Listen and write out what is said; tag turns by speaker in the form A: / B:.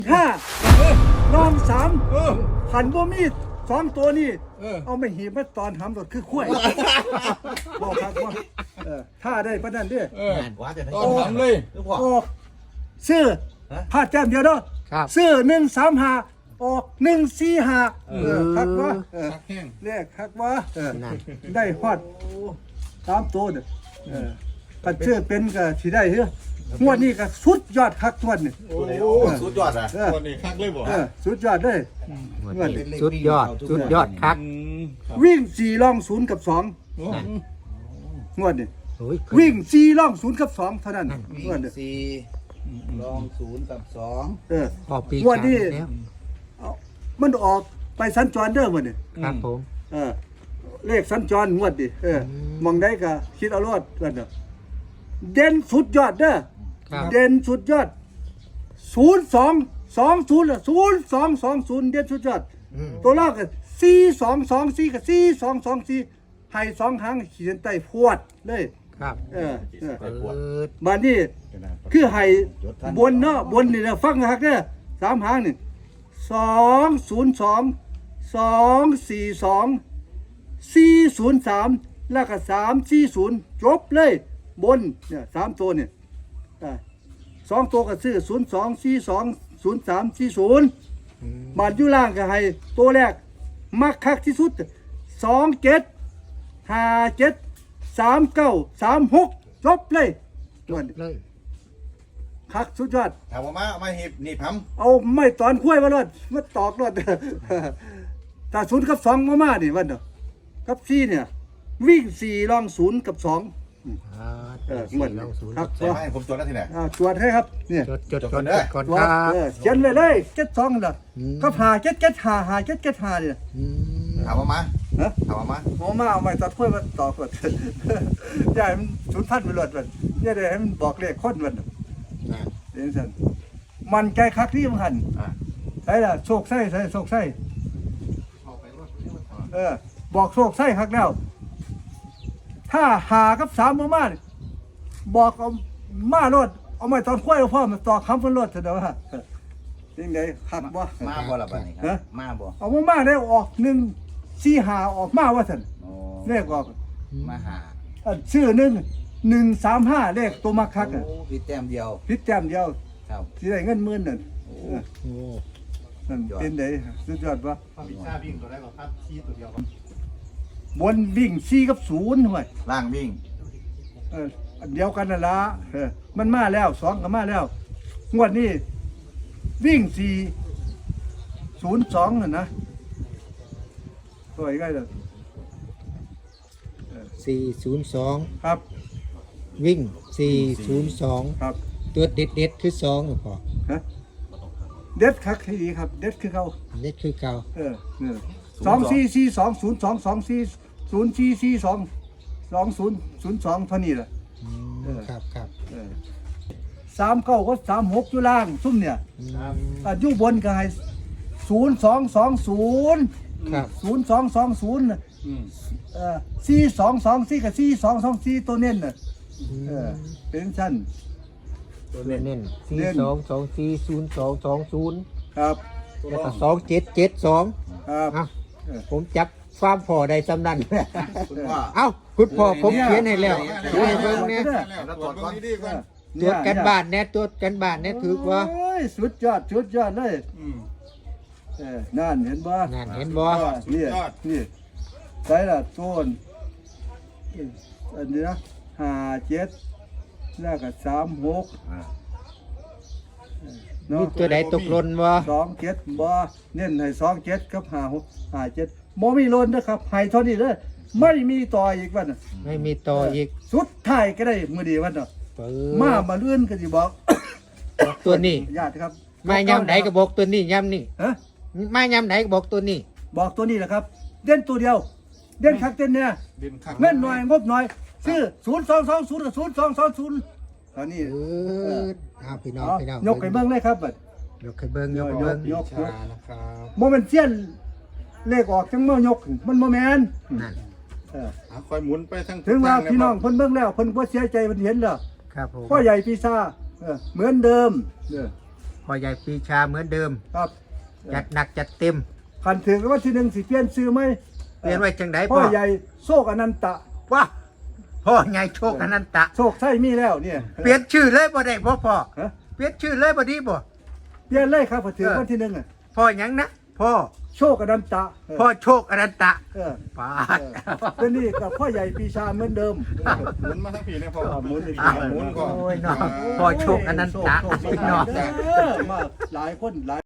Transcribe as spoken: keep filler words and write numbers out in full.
A: ห้าน้องสามหันบ่มีสองตัวนี่เอาไม่หีบมาตอนทำรถคือขั้วบอกครับว่าถ้าได้ปะนั่นเด้อ
B: ตอนทำเลย
A: ออกซื้อพลาดแจ้มเดียวเนาะซื้อหนึ่งสามห้าออกหนึ่งสี่ห้าเออคักวะเออ
B: ชักแห้ง
A: เรียกคักวะเออได้ฮอดสามตัวเด้อเออกันเชื่อเป็นก็สิได้เฮ้องวดนี้ก็สุดยอดคักทวนนี่
B: โอ้โห
C: สุดยอดอ่ะ
A: เออ
B: คนนี้คักเลยบ่
A: เออสุดยอดเลยงวดนี้
D: สุดยอดสุดยอดคัก
B: อืมครับ
A: วิ่งสี่ล่องศูนย์กับสอง
B: โอ้
A: งวดนี้
D: โอ้ย
A: วิ่งสี่ล่องศูนย์กับสองเท่านั้น
C: วิ่
A: งวด
C: ง
A: นี้
C: สี่ลองศูนย์กับสอง
A: เออ
D: ออกปี
A: งวดนี้
D: กลางแล้ว
A: เอามันออกไปสัญจรเด้อหมดนี่
D: ครับผม
A: เออเลขสัญจรงวดดิเออมองได้ก็คิดเอารอดกันเด้อเด่นสุดยอดเด้อ
D: ครับ
A: เด่นสุดยอดศูนย์สองสองศูนย์ศูนย์สองสองศูนย์เด่นสุดยอด
D: อืม
A: ตัวลอกก็สี่สองสองสี่กับสี่สองสองสี่ให้สองหางขีดใต้พวดเลย
D: ครับ
A: เออเออ
D: เปิด
A: บ้านนี้คือให้บนเนาะบนนี่นะฟังหักเด้อสามหางนี่สองศูนย์สองสองสี่สองสี่ศูนย์สามแล้วก็สามสี่ศูนย์จบเลยบนเนี่ยสามตัวเนี่ยอ่าสองตัวก็ซื้อศูนย์สองสี่สองศูนย์สามสี่ศูนย์บาทอยู่ล่างก็ให้ตัวแรกมักคักที่สุดสองเจ็ดห้าเจ็ดสามเก้าสามหกจบเลย
D: จบเลย
A: คักสุดยอด
C: ถามว่ามาเอามาหีบหนีบพัม
A: เอาไม่ตอนคุ้ยมาลดมาตอกลด ถ้าศูนย์กับสองมามาดิวันเดียวกับสี่เนี่ย วิ่งสี่ลองศูนย์กับสอง
D: อ่า
A: เออเหมือน
D: สี่ลองศูนย์
A: ครับ
C: ใช่ไหมผมจดแล้วที่ไหน
A: อ่าตรวจให้ครับเนี่ย
D: จดจด
C: จด
D: จ
C: ก่อ
D: ด
C: นเด้อ
D: ก่อน
A: ตรว
D: ค
A: จ
D: รับ
A: เออเขียนเลยเลยเจ็ดสองเลย
D: อืม
A: ก็ผ่าเจ็ดเจ็ดหาหาเจ็ดเจ็ดหาเนี่ย
D: อืม
C: ถามว่ามา
A: ฮะ
C: ถามว่ามา
A: หมอมาเอาไม่ตัดคุ้ยมาตอกลด อย่าให้มันศูนย์พันไปลดมันอย่าได้ให้มันบอกเลขคนมัน
D: อ่า
A: เดี๋ยวสันมันใจคักที่มันหัน
C: อ่ะ
A: ใช่ละโชคไส้ใช่โชคไส้เออ บอกโชคไส้คักแล้ว ถ้าหากับสามมามานี่บอกเอามาโลดเอาไม่ตอนคุ้ยเอาพ่อมาต่อคำเพิ่นโลดเถอะเด้อว่ายังไงคักบ่
C: มาบ่ละบัดนี้ค
A: ฮะ
C: รับมาบ่
A: เอามามาได้ออกหนึ่งสี่หาออกมาว่าซั่น
C: โอ้
A: เลขออก
C: มาหา
A: อันชื่อหนึ่งหนึ่งสามห้าเลขตัวมาคักอ่ะ
C: โอ้พี่แต้มเดียว
A: พิษแต้มเดียว
C: ครับ
A: สิได้เงินหมื่นนั่น
C: โอ้
A: เออ
D: โอ้
A: นั่นเป็นไดสุดยอดบ่
B: พิซซ่าวิ่งตัวแรกก็ครับชี้ตัวเดียวครับ
A: บนวิ่งสี่กับศูนย์ห่วย
C: ล่างวิ่ง
A: เอออันเดียวกันนั่นละเออมันมาแล้วสองก็มาแล้ว งวดนี้วิ่งสี่ศูนย์สองน่ะนะตัวอีกไงล่ะ
D: สี่ศูนย์สอง
A: ครับ
D: วิ่งสี่ศูนย์สอง
A: ครับ
D: ตัวเด็ดเด็ดๆคือสองหรือเปล่า
A: ฮะเด็ดคักที่ดีครับ เด็ดคือเขา
D: เด็ดคือเก่า
A: เออเนี่ยสองสี่สี่สองศูนย์สองสองสี่ศูนย์สี่สี่สองสองศูนย์ศูนย์สองเท่านี้แหละ
D: อืม
A: เออ
D: ครับครับ
A: เออสามเก้าก็สามหกอยู่ล่างซุ่มเนี่ย
D: อืม
A: อ่ะอยู่บนก็ให้ศูนย์สองสองศูนย์
D: ครับ
A: ศูนย์สองสองศูนย์
B: อืม
A: เอ่อสี่สองสองสี่กับสี่สองสองสี่ตัวเน้นน่ะ
D: อืม
A: เออเป็นชั้น
D: ตัวเน้นเน้นสี่
A: เน้น
D: สองสองสี่ศูนย์สองสองศูนย์
A: ครับ
D: แล้วก็สองเจ็ดเจ็ดสอง
A: ครับ
D: เอ้าผมจับฟาร์มพอได้สำนัน
C: คุณพ่อ
D: เอ้าคุณพ่อผมเขียนให้แล้วดูให้เบิ่งเนี่ย
B: แล้วตรวจเบิ่งดีๆก่อน
D: ตรวจกันบ้านแน่ตรวจกันบ้านแน่ถือว่า
A: โอ้ยสุดยอดสุดยอดเลย
B: อืม
A: เออนั่นเห็นบ่
D: นั่นเห็นบ่
A: นี่
B: สุดยอด
A: นี่ใส่ละโซนอันนี้นะห้าเจ็ดแล้วก็สามหก
C: อ่ะ
A: เนาะ
D: มีตัวใดตกหล่นบ่
A: สองเจ็ดบ่เน้นให้สองเจ็ดกับห้าหกห้าเจ็ดบ่มีโลนนะครับให้เท่านี้เด้อไม่มีต่ออีกวันน่ะ
D: ไม่มีต่ออีก
A: สุดท้ายก็ได้มื้อดีวันน่ะ
D: เปิ
A: มา
D: ด
A: มาเลื่อนก็สิบอก
D: ตัวนี้
A: ญาติครับ
D: มายำไหนก็บอกตัวนี้ยำนี่
A: ฮะ
D: มายำไหนก็บอกตัวนี้
A: บอกตัวนี้แหละครับ เด่นตัวเดียว เด่นคักเด่นเนี่ย
B: ดินคัก
A: เงินหน่อยงบหน่อยซื้อศูนย์สองสองศูนย์กับศูนย์สองสองศูนย์ตอนนี้
D: เออเอาพี่น้อง
A: เอา
D: พี่น้อง
A: ยกให้เบิ่งเลยครับบัด
D: ยกให้เบิ่งยกให้เบิ่ง
A: ยกยก
D: ชานะครับ
A: โมเมนเซียนเลขออกจังเมื่อยกมันโมแมน
D: นั่น
A: เออ
B: อ่ะคอยหมุนไปทั้ง
A: ถึงว่า
B: ทเลย
A: พี่น้อง
B: ครับ
A: เพิ่นเบิ่งแล้วเพิ่นบ่เสียใจเพิ่นเห็นแล้ว
D: ครับผม
A: พ่อใหญ่ปีซ่าเออเหมือนเดิมเออ
D: พ่ออใหญ่ปีชาเหมือนเดิม
A: ครับ
D: จัดหนักจัดเต็ม
A: คันถึงว่าที่หนึ่งสิเปลี่ยนซื้อไหม
D: เปลี่ยนไว้จังได
A: พ่
D: พ่
A: อ
D: อ
A: ใหญ่โชคอนันตะ
D: ว้าพ่อใหญ่โชคอนันตะ
A: โชคใช่มีแล้วเนี่ย
D: เปลี่ยนชื่อเลยบ่ได้บ่พ่อ
A: ฮะ
D: เปลี่ยนชื่อเลยบ่ดีบ่
A: เปลี่ยนเลยครับพอถึงวันที่หนึ่งอ่ะ
D: พ่อหยังนะพ่อ
A: โชคอนันตะเออ
D: พ่อโชคอนันตะ
A: เออ
D: ปาด
A: เป็นนี่กับพ่อใหญ่ปีชาเหมือนเดิม
B: หมุนมาทั้งปีเนี่ยพ่อ
A: หมุนอีก
B: อ่าหมุนก่อน
D: โอ้ยเนาะพ่อโชคอนันตะ
A: โชคโชค
D: พี่น้อง
A: เออมาหลายคนหลาย